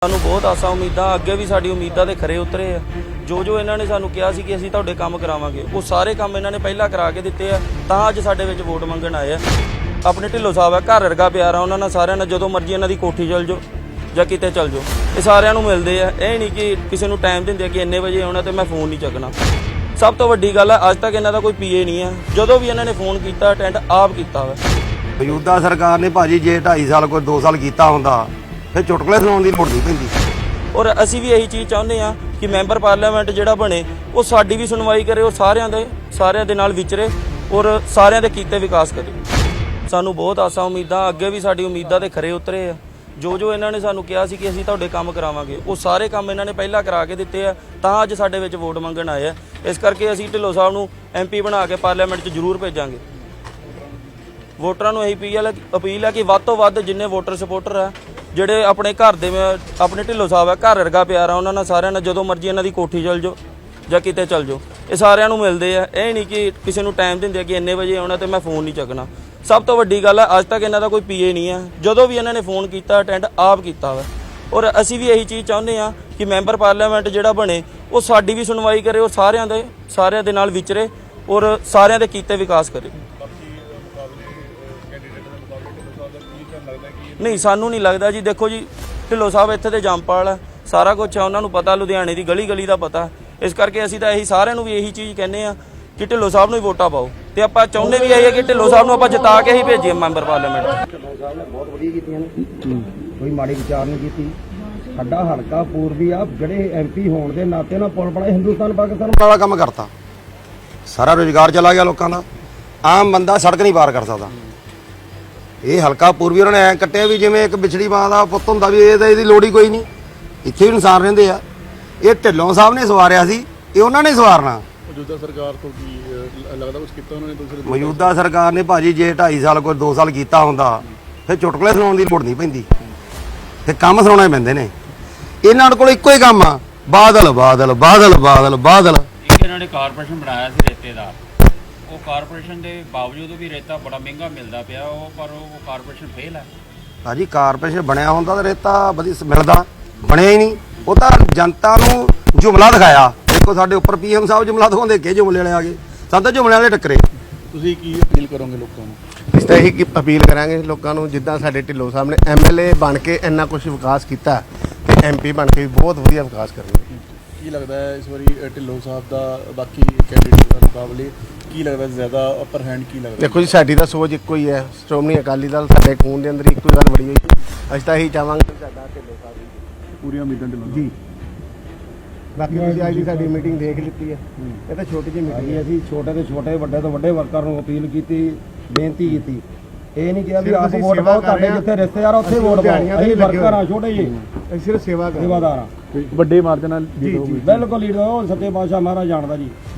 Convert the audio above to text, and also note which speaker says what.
Speaker 1: ਸਾਨੂੰ ਬਹੁਤ ਆਸਾਂ ਉਮੀਦਾਂ ਅੱਗੇ ਵੀ ਸਾਡੀ ਉਮੀਦਾਂ ਦੇ ਖਰੇ ਉਤਰੇ ਆ। ਜੋ ਇਹਨਾਂ ਨੇ ਸਾਨੂੰ ਕਿਹਾ ਸੀ ਕਿ ਅਸੀਂ ਤੁਹਾਡੇ ਕੰਮ ਕਰਾਵਾਂਗੇ, ਉਹ ਸਾਰੇ ਕੰਮ ਇਹਨਾਂ ਨੇ ਪਹਿਲਾਂ ਕਰਾ ਕੇ ਦਿੱਤੇ ਆ, ਤਾਂ ਅੱਜ ਸਾਡੇ ਵਿੱਚ ਵੋਟ ਮੰਗਣ ਆਏ ਆ। ਆਪਣੇ ਢਿੱਲੋਂ ਸਾਹਿਬ ਆ, ਘਰ ਵਰਗਾ ਪਿਆਰ ਆ ਉਹਨਾਂ ਨਾਲ ਸਾਰਿਆਂ ਨਾਲ। ਜਦੋਂ ਮਰਜ਼ੀ ਇਹਨਾਂ ਦੀ ਕੋਠੀ ਚਲ ਜਾਓ ਜਾਂ ਕਿਤੇ ਚਲ ਜਾਓ, ਇਹ ਸਾਰਿਆਂ ਨੂੰ ਮਿਲਦੇ ਆ। ਇਹ ਨਹੀਂ ਕਿ ਕਿਸੇ ਨੂੰ ਟਾਈਮ ਦਿੰਦੇ ਕਿ ਇੰਨੇ ਵਜੇ ਆਉਣਾ ਤੇ ਮੈਂ ਫੋਨ ਨਹੀਂ ਚੱਕਣਾ। ਸਭ ਤੋਂ ਵੱਡੀ ਗੱਲ ਹੈ, ਅੱਜ ਤੱਕ ਇਹਨਾਂ ਦਾ ਕੋਈ ਪੀਏ ਨਹੀਂ ਹੈ। ਜਦੋਂ ਵੀ ਇਹਨਾਂ ਨੇ ਫੋਨ ਕੀਤਾ ਅਟੈਂਡ ਆਪ ਕੀਤਾ ਵਾ।
Speaker 2: ਮੌਜੂਦਾ ਸਰਕਾਰ ਨੇ ਭਾਜੀ ਜੇ 2.5 ਸਾਲ ਕੋਈ 2 ਸਾਲ ਕੀਤਾ ਹੁੰਦਾ ਫਿਰ ਚੁਟਕਲੇ ਸੁਣਾਉਣ ਦੀ ਲੋੜ ਨਹੀਂ ਪੈਂਦੀ।
Speaker 1: ਔਰ ਅਸੀਂ ਵੀ ਇਹੀ ਚੀਜ਼ ਚਾਹੁੰਦੇ ਹਾਂ ਕਿ ਮੈਂਬਰ ਪਾਰਲੀਮੈਂਟ ਜਿਹੜਾ ਬਣੇ ਉਹ ਸਾਡੀ ਵੀ ਸੁਣਵਾਈ ਕਰੇ ਔਰ ਸਾਰਿਆਂ ਦੇ ਨਾਲ ਵਿਚਰੇ ਔਰ ਸਾਰਿਆਂ ਦੇ ਕੀਤੇ ਵਿਕਾਸ ਕਰੇ। ਸਾਨੂੰ ਬਹੁਤ ਆਸਾਂ ਉਮੀਦਾਂ ਅੱਗੇ ਵੀ ਸਾਡੀ ਉਮੀਦਾਂ ਦੇ ਖਰੇ ਉਤਰੇ ਆ। ਜੋ ਇਹਨਾਂ ਨੇ ਸਾਨੂੰ ਕਿਹਾ ਸੀ ਕਿ ਅਸੀਂ ਤੁਹਾਡੇ ਕੰਮ ਕਰਾਵਾਂਗੇ, ਉਹ ਸਾਰੇ ਕੰਮ ਇਹਨਾਂ ਨੇ ਪਹਿਲਾਂ ਕਰਾ ਕੇ ਦਿੱਤੇ ਆ, ਤਾਂ ਅੱਜ ਸਾਡੇ ਵਿੱਚ ਵੋਟ ਮੰਗਣ ਆਏ ਆ। ਇਸ ਕਰਕੇ ਅਸੀਂ ਢਿੱਲੋਂ ਸਾਹਿਬ ਨੂੰ MP ਬਣਾ ਕੇ ਪਾਰਲੀਮੈਂਟ 'ਚ ਜ਼ਰੂਰ ਭੇਜਾਂਗੇ। ਵੋਟਰਾਂ ਨੂੰ ਇਹੀ ਅਪੀਲ ਹੈ ਕਿ ਵੱਧ ਤੋਂ ਵੱਧ ਜਿੰਨੇ ਵੋਟਰ ਸਪੋਰਟਰ ਆ, ਜਿਹੜੇ ਆਪਣੇ ਘਰ ਦੇ ਆਪਣੇ ਢਿੱਲੋਂ ਸਾਹਿਬ ਆ, ਘਰ ਵਰਗਾ ਪਿਆਰ ਆ ਉਹਨਾਂ ਨਾਲ ਸਾਰਿਆਂ ਨਾਲ। ਜਦੋਂ ਮਰਜ਼ੀ ਇਹਨਾਂ ਦੀ ਕੋਠੀ ਚਲ ਜਾਓ ਜਾਂ ਕਿਤੇ ਚਲ ਜਾਓ, ਇਹ ਸਾਰਿਆਂ ਨੂੰ ਮਿਲਦੇ ਆ। ਇਹ ਨਹੀਂ ਕਿ ਕਿਸੇ ਨੂੰ ਟਾਈਮ ਦਿੰਦੇ ਕਿ ਇੰਨੇ ਵਜੇ ਆਉਣਾ ਤੇ ਮੈਂ ਫੋਨ ਨਹੀਂ ਚੱਕਣਾ। ਸਭ ਤੋਂ ਵੱਡੀ ਗੱਲ ਹੈ, ਅੱਜ ਤੱਕ ਇਹਨਾਂ ਦਾ ਕੋਈ ਪੀਏ ਨਹੀਂ ਹੈ। ਜਦੋਂ ਵੀ ਇਹਨਾਂ ਨੇ ਫੋਨ ਕੀਤਾ ਅਟੈਂਡ ਆਪ ਕੀਤਾ ਵਾ। ਔਰ ਅਸੀਂ ਵੀ ਇਹੀ ਚੀਜ਼ ਚਾਹੁੰਦੇ ਹਾਂ ਕਿ ਮੈਂਬਰ ਪਾਰਲੀਮੈਂਟ ਜਿਹੜਾ ਬਣੇ ਉਹ ਸਾਡੀ ਵੀ ਸੁਣਵਾਈ ਕਰੇ ਔਰ ਸਾਰਿਆਂ ਦੇ ਨਾਲ ਵਿਚਰੇ ਔਰ ਸਾਰਿਆਂ ਦੇ ਕੀਤੇ ਵਿਕਾਸ ਕਰੇ। ਨਹੀਂ, ਸਾਨੂੰ ਨਹੀਂ ਲੱਗਦਾ ਜੀ। ਦੇਖੋ ਜੀ, ਢਿੱਲੋਂ ਸਾਹਿਬ ਇੱਥੇ ਦੇ ਜੰਮਪਾਲ ਆ, ਸਾਰਾ ਕੁਝ ਆ ਉਹਨਾਂ ਨੂੰ ਪਤਾ, ਲੁਧਿਆਣੇ ਦੀ ਗਲੀ ਗਲੀ ਦਾ ਪਤਾ। ਇਸ ਕਰਕੇ ਅਸੀਂ ਤਾਂ ਇਹੀ ਸਾਰਿਆਂ ਨੂੰ ਵੀ ਇਹੀ ਚੀਜ਼ ਕਹਿੰਦੇ ਆ ਕਿ ਢਿੱਲੋਂ ਸਾਹਿਬ ਨੂੰ ਹੀ ਵੋਟਾਂ ਪਾਓ। ਤੇ ਆਪਾਂ ਚਾਹੁੰਦੇ ਵੀ ਇਹ ਹੈ ਕਿ ਢਿੱਲੋਂ ਸਾਹਿਬ ਨੂੰ ਆਪਾਂ ਜਿਤਾ ਕੇ ਹੀ ਭੇਜੀਏ ਮੈਂਬਰ ਪਾਰਲੀਮੈਂਟ।
Speaker 2: ਢਿੱਲੋਂ ਸਾਹਿਬ ਨੇ ਬਹੁਤ ਵਧੀਆ ਕੀਤੀਆਂ ਨੇ, ਕੋਈ ਮਾੜੀ ਵਿਚਾਰ ਨਹੀਂ ਕੀਤੀ। ਸਾਡਾ ਹਲਕਾ ਪੂਰਬੀ ਆ, ਜਿਹੜੇ MP ਹੋਣ ਦੇ ਨਾਤੇ ਨਾਲ ਪੁਲ ਬਣਾ ਹਿੰਦੁਸਤਾਨ ਪਾਕਿਸਤਾਨ ਵਾਲਾ ਕੰਮ ਕਰਤਾ। ਸਾਰਾ ਰੁਜ਼ਗਾਰ ਚਲਾ ਗਿਆ ਲੋਕਾਂ ਦਾ। ਆਮ ਬੰਦਾ ਸੜਕ ਨਹੀਂ ਪਾਰ ਕਰ ਸਕਦਾ। ਇਹ ਹਲਕਾ ਪੂਰਬੀ ਉਹਨਾਂ ਨੇ ਐਂ ਕੱਟਿਆ ਵੀ ਜਿਵੇਂ ਇੱਕ ਵਿਛੜੀ ਮਾਂ ਦਾ ਪੁੱਤ ਹੁੰਦਾ, ਵੀ ਇਹਦੀ ਲੋੜ ਹੀ ਕੋਈ ਨਹੀਂ। ਇੱਥੇ ਵੀ ਇਨਸਾਨ ਰਹਿੰਦੇ ਆ। ਇਹ ਢਿੱਲੋਂ ਸਾਹਿਬ ਨੇ ਸਵਾਰਿਆ ਸੀ, ਇਹ ਉਹਨਾਂ ਨੇ ਸਵਾਰਨਾ।
Speaker 3: ਮੌਜੂਦਾ ਸਰਕਾਰ ਤੋਂ ਕੀ ਲੱਗਦਾ ਕੁਝ ਕੀਤਾ ਉਹਨਾਂ ਨੇ ਦੂਸਰੇ?
Speaker 2: ਮੌਜੂਦਾ ਸਰਕਾਰ ਨੇ ਭਾਜੀ ਜੇ 2.5 ਸਾਲ ਕੋਈ 2 ਸਾਲ ਕੀਤਾ ਹੁੰਦਾ ਫਿਰ ਚੁਟਕਲੇ ਸੁਣਾਉਣ ਦੀ ਲੋੜ ਨਹੀਂ ਪੈਂਦੀ, ਤੇ ਕੰਮ ਸੁਣਾਉਣੇ ਪੈਂਦੇ ਨੇ। ਇਹਨਾਂ ਕੋਲ ਇੱਕੋ ਹੀ ਕੰਮ ਆ, ਬਾਦਲ ਬਾਦਲ ਬਾਦਲ ਬਾਦਲ ਬਾਦਲ।
Speaker 4: ਇੱਕ ਇਹਨਾਂ ਨੇ ਕਾਰਪੋਰੇਸ਼ਨ ਬਣਾਇਆ ਸੀ ਰੇਤੇ ਦਾ। ਉਹ ਕਾਰਪੋਰੇਸ਼ਨ ਦੇ ਬਾਵਜੂਦ ਵੀ ਰੇਤਾ ਬੜਾ ਮਹਿੰਗਾ ਮਿਲਦਾ ਪਿਆ, ਪਰ ਉਹ ਕਾਰਪੋਰੇਸ਼ਨ ਫੇਲ ਹੈ।
Speaker 2: ਭਾਜੀ ਕਾਰਪੋਰੇਸ਼ਨ ਬਣਿਆ ਹੁੰਦਾ ਤਾਂ ਰੇਤਾ ਵਧੀਆ ਮਿਲਦਾ, ਬਣਿਆ ਹੀ ਨਹੀਂ। ਉਹ ਤਾਂ ਜਨਤਾ ਨੂੰ ਜੁਮਲਾ ਦਿਖਾਇਆ। ਦੇਖੋ ਸਾਡੇ ਉੱਪਰ PM ਸਾਹਿਬ ਜੁਮਲਾ ਦਿਖਾਉਂਦੇ, ਕਿ ਜੁਮਲੇ ਵਾਲੇ ਆ ਗਏ, ਸਾਨੂੰ ਤਾਂ ਜੁਮਲੇ ਵਾਲੇ ਟੱਕਰੇ।
Speaker 3: ਤੁਸੀਂ ਕੀ ਅਪੀਲ ਕਰੋਗੇ ਲੋਕਾਂ ਨੂੰ?
Speaker 5: ਇਸ ਤਰ੍ਹਾਂ ਹੀ ਅਪੀਲ ਕਰਾਂਗੇ ਲੋਕਾਂ ਨੂੰ, ਜਿੱਦਾਂ ਸਾਡੇ ਢਿੱਲੋਂ ਸਾਹਿਬ ਨੇ MLA ਬਣ ਕੇ ਇੰਨਾ ਕੁਝ ਵਿਕਾਸ ਕੀਤਾ ਤੇ MP ਬਣ ਕੇ ਵੀ ਬਹੁਤ ਵਧੀਆ ਵਿਕਾਸ ਕਰਨਗੇ।
Speaker 3: ਕੀ ਲੱਗਦਾ ਹੈ ਇਸ ਵਾਰੀ ਢਿੱਲੋਂ ਸਾਹਿਬ ਦਾ ਬਾਕੀ ਕੈਂਡੀਡੇਟ ਦੇ ਮੁਕਾਬਲੇ ਕੀ ਲੱਗਦਾ ਜ਼ਿਆਦਾ ਅਪਰ ਹੈਂਡ ਕੀ ਲੱਗਦਾ?
Speaker 5: ਦੇਖੋ ਜੀ, ਸਾਡੀ ਤਾਂ ਸੋਚ ਇੱਕੋ ਹੀ ਹੈ। ਸ਼੍ਰੋਮਣੀ ਅਕਾਲੀ ਦਲ ਸਾਡੇ ਖੂਨ ਦੇ ਅੰਦਰ ਇੱਕੋ ਹੀ ਗੱਲ ਬੜੀ ਹੋਈ। ਅਸੀਂ ਤਾਂ ਇਹੀ ਚਾਹਾਂਗੇ ਕਿ ਸਾਡਾ ਢਿੱਲੋਂ ਸਾਹਿਬ
Speaker 3: ਪੂਰੀਆਂ ਉਮੀਦਾਂ ਢਿੱਲੋਂ
Speaker 5: ਜੀ। ਬਾਕੀ ਤੁਸੀਂ ਅੱਜ ਦੀ ਸਾਡੀ ਮੀਟਿੰਗ ਦੇਖ ਲਿੱਤੀ ਹੈ। ਇਹ ਤਾਂ ਛੋਟੀ ਜਿਹੀ ਮੀਟਿੰਗ ਹੈ।
Speaker 2: ਅਸੀਂ ਛੋਟੇ ਤੋਂ ਛੋਟੇ, ਵੱਡੇ ਤੋਂ ਵੱਡੇ ਵਰਕਰ ਨੂੰ ਅਪੀਲ ਕੀਤੀ, ਬੇਨਤੀ ਕੀਤੀ। ਇਹ ਨਹੀਂ ਕਿਹਾ ਵੀ ਆਪ ਵੋਟ ਪਾਓ, ਤੁਹਾਡੇ ਜਿੱਥੇ ਰਿਸ਼ਤੇਦਾਰ ਉੱਥੇ ਵੋਟ ਪਾਓ। ਅਸੀਂ ਵਰਕਰ ਆ, ਛੋਟੇ ਜਿਹੇ,
Speaker 5: ਅਸੀਂ ਸਿਰਫ ਸੇਵਾਦਾਰ
Speaker 3: ਵੱਡੇ ਮਾਰਜਨ ਨਾਲ
Speaker 2: ਬਿਲਕੁਲ ਲੀਡਰ। ਉਹ ਸੱਚੇ ਪਾਤਸ਼ਾਹ ਮਹਾਰਾਜ ਜਾਣਦਾ ਜੀ।